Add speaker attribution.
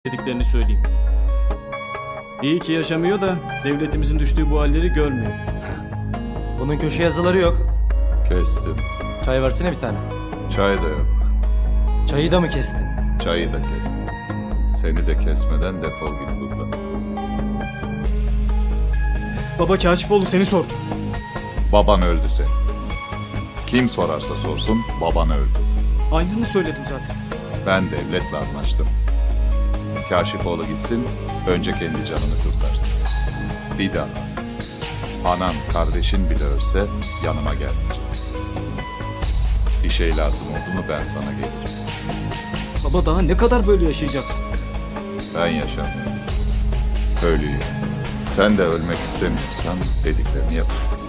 Speaker 1: dediklerini söyleyeyim. İyi ki yaşamıyor da devletimizin düştüğü bu halleri görmüyor.
Speaker 2: Bunun köşe yazıları yok.
Speaker 3: Kestim.
Speaker 2: Çay versene bir tane.
Speaker 3: Çay da yok.
Speaker 2: Çayı da mı kestin?
Speaker 3: Çayı da kestim. Seni de kesmeden defol git buradan.
Speaker 1: Baba Kaşifoğlu seni sordu.
Speaker 3: Baban öldü senin. Kim sorarsa sorsun baban öldü.
Speaker 1: Aynını söyledim zaten.
Speaker 3: Ben devletle anlaştım. Kaşifoğlu gitsin, önce kendi canını kurtarsın. Bir daha. Anan, kardeşin bile ölse yanıma gelmeyeceksin. Bir şey lazım oldu mu ben sana gelirim.
Speaker 1: Baba daha ne kadar böyle yaşayacaksın?
Speaker 3: Ben yaşamıyorum. Ölüyüm. Sen de ölmek istemiyorsan dediklerini yapacaksın.